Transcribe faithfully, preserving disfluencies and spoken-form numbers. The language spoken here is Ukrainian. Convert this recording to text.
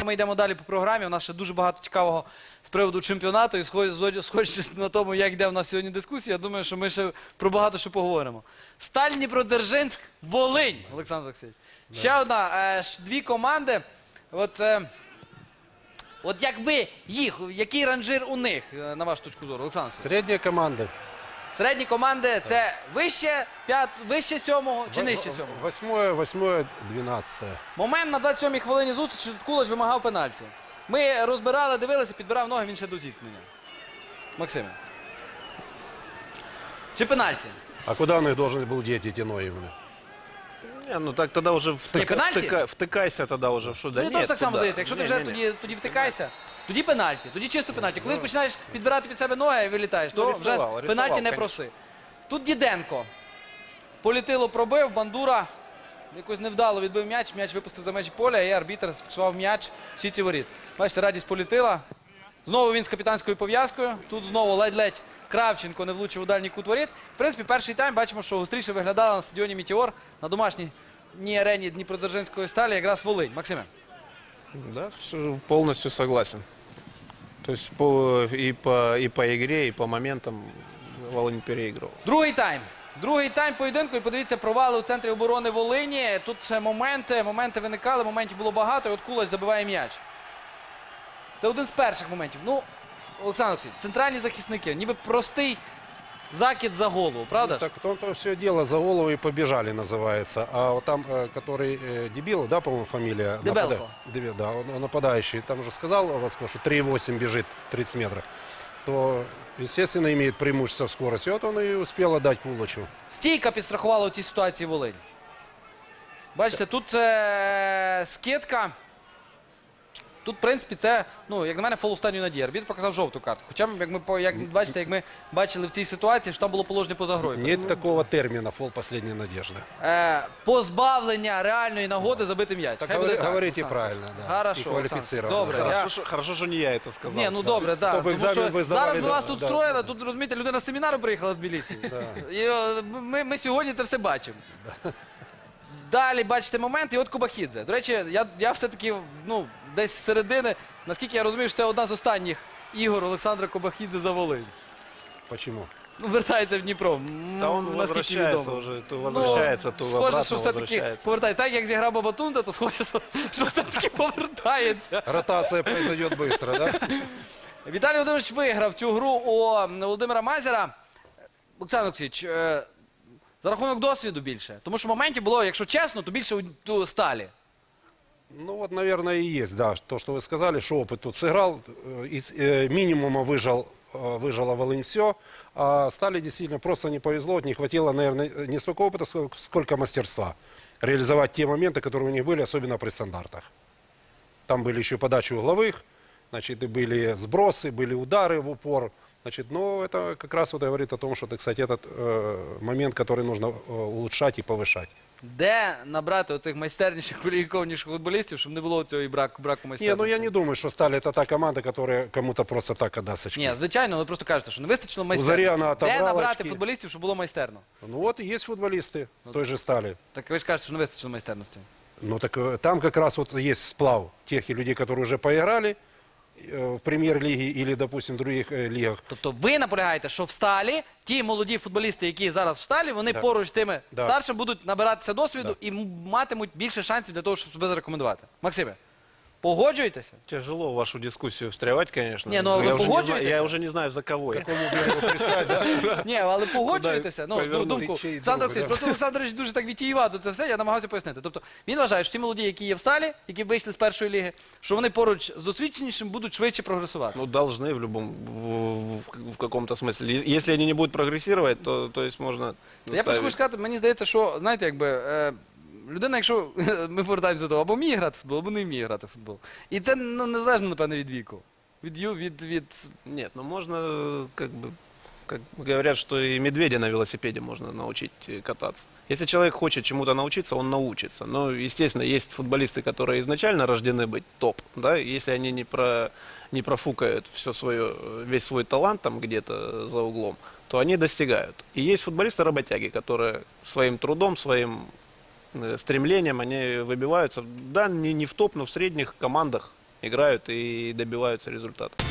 ми йдемо далі по програмі. У нас ще дуже багато цікавого з приводу чемпіонату. І сходячись на тому, як йде в нас сьогодні дискусія, я думаю, що ми ще про багато що поговоримо. Сталь Дніпродзержинськ, Волинь, Олександр Олексійович. Да. Ще одна, е, дві команди. От, е, от як ви їх, який ранжир у них, на вашу точку зору, Олександр? Средняя команда. Середні команди – це вище, п'ят, вище сьомого чи нижче сьомого? Восьмое, восьмое, двенадцатое. Момент на двадцять сьомій хвилині зустрічі Кулач вимагав пенальті. Ми розбирали, дивилися, підбирав ноги, він ще до зіткнення. Максим. Чи пенальті? А куда он их должен был деть, эти ноги? Именно? Не, ну так тогда уже втыка, пенальти? втыка, втыкайся тогда уже. Что, да Ну, нет, теж так само куда? дається. Якщо ти Не, вже не, не. тоді, тоді втикайся, тоді пенальті, тоді чисто пенальті. Коли ти починаєш підбирати під себе ноги і вилітаєш, то Ну, вже рисував, пенальті рисував, не конечно. проси. Тут Діденко. Політило пробив, Бандура якось невдало відбив м'яч, м'яч випустив за межі поля, і арбітр зафіксував м'яч в сітці воріт. Бачите, радість Політила. Знову він з капітанською пов'язкою. Тут знову ледь-ледь Кравченко не влучив у дальній кут воріт. В принципі, перший тайм бачимо, що гостріше виглядала на стадіоні «Метеор» на домашній арені Дніпродзержинської сталі якраз Волинь. Максиме. Да, всё, полностью согласен. То есть по, и, по, и по игре, и по моментам Волынь переигрывал. Другий тайм. Другий тайм поєдинку. І подивіться, провали у центрі оборони Волині. Тут ще моменти, моменти виникали, моментів було багато. І от Кулач забиває м'яч. Це один з перших моментів. Ну, Олександр Олексійович, центральні захисники, ніби простий закид за голову, правда? Ну, так в том-то все дело, за голову и побежали называется. А вот там, э, который э, Дебилов, да, по-моему, фамилия? Дебелко. Напада... Дебил, да, он, он нападающий. Там уже сказал Васко, что три восемь бежит тридцать метров. То, естественно, имеет преимущество в скорости. Вот он и успел отдать Кулачу. Стійка підстрахувала у цій ситуації Волинь. Бачите, тут е, скидка. Тут, в принципі, це, ну, як на мене, фол останньої надії. Арбітр показав жовту картку. Хоча, як ми, по- як, бачите, як ми бачили в цій ситуації, що там було положення поза грою. Нет такого термина «фол последней надежды». Е, позбавлення реальної нагоди забити м'яч. Так Хай говори- буде так, говорите Олександр. правильно, да. Хорошо, И квалифицированно. Олександр. Добре, Хорошо, я- что, хорошо, что не я это сказал. Ні, ну добре, так. Тобто Тому екзамен що ви здавали, зараз ми да, вас тут да, встроїли, да. тут, розумієте, людина з семінару приїхала з Тбілісі. І е, ми, ми сьогодні це все бачимо. Далі бачите момент, і от Кубахідзе. До речі, я, я все-таки, ну, десь з середини, наскільки я розумію, що це одна з останніх ігор Олександра Кубахідзе за Волинь. Почему? Ну, вертається в Дніпро. м, Да он наскільки возвращается відомо. уже, то возвращается, то Ну, схоже, обратно що все-таки возвращается. повертає. Так, як зіграв Бабатунда, то схоже, що, що все-таки повертається. Ротация произойдет быстро, да? Віталій Володимирович виграв цю гру у Володимира Мазера. Олександр Олексійович, е, за рахунок досвіду більше. Тому що моментів було, якщо чесно, то більше у, у Сталі. Ну вот, наверное, и есть, да, то, что вы сказали, что опыт тут сыграл, э, из э, минимума выжал, э, выжила Волынь все, а Стали действительно просто не повезло, вот не хватило, наверное, не столько опыта, сколько, сколько мастерства реализовать те моменты, которые у них были, особенно при стандартах. Там были еще подачи угловых, значит, и были сбросы, были удары в упор. Значит, но это как раз вот говорит о том, что это, кстати, этот э, момент, который нужно э, улучшать и повышать. Де набрати оцих майстерніших, кваліфікованіших футболістів, щоб не було цього і браку, браку Не, майстерності? ну я не думаю, что Сталь это та команда, которая кому-то просто так отдаст очки. Ні, звичайно, ви просто кажете, що не вистачило Заряна майстерності. Де отобрала набрати очки. футболістів, щоб було майстерно? Ну вот и есть футболисты той же Стали. Так ви ж кажете, що не вистачило майстерності. Ну так э, там как раз вот есть сплав тех и людей, которые уже поиграли э, в премьер-лиге или, допустим, в других э, лигах. Тобто ви наполягаєте, що в Сталі ті молоді футболісти, які зараз в Сталі, вони Да. поруч з тими Да. старшими будуть набиратися досвіду і м- матимуть більше шансів для того, щоб себе зарекомендувати. Максиме, погоджуєтеся? Тяжело в вашу дискуссию встревать, конечно. Не, ну, а вы я, уже не знаю, погоджуетесь? я уже не знаю, за кого я. Ні, але погоджуєтеся. Ну, повернути? думку. Ти чий Олександр друг, Олексійович, да? просто Олександрович дуже так вітіювато це все, я намагався пояснити. Тобто він вважає, що ті молоді, які є в Сталі, які вийшли з першої ліги, що вони поруч з досвідченішим будуть швидше прогресувати. Ну, должны в любом, в, в- в каком-то смысле. Е- Если они не будут прогрессировать, то, то есть можно Я просто заставить. хочу сказати, мені здається, що, знаєте, якби, е, людина, якщо ми повертаємося до того, або вміє грати в футбол, або не вміє грати в футбол. І це, ну, незалежно, напевно, від віку. Від, ю- від, від... Нет, ну можно, э, как бы, как говорят, что и медведя на велосипеде можно научить э, кататься. Если человек хочет чему-то научиться, он научится. Но, естественно, есть футболисты, которые изначально рождены быть топ, да, и если они не, про, не профукают все свое, весь свой талант там где-то за углом, то они достигают. И есть футболисты-работяги, которые своим трудом, своим э, стремлением, они выбиваются, да, не, не в топ, но в средних командах играют и добиваются результата.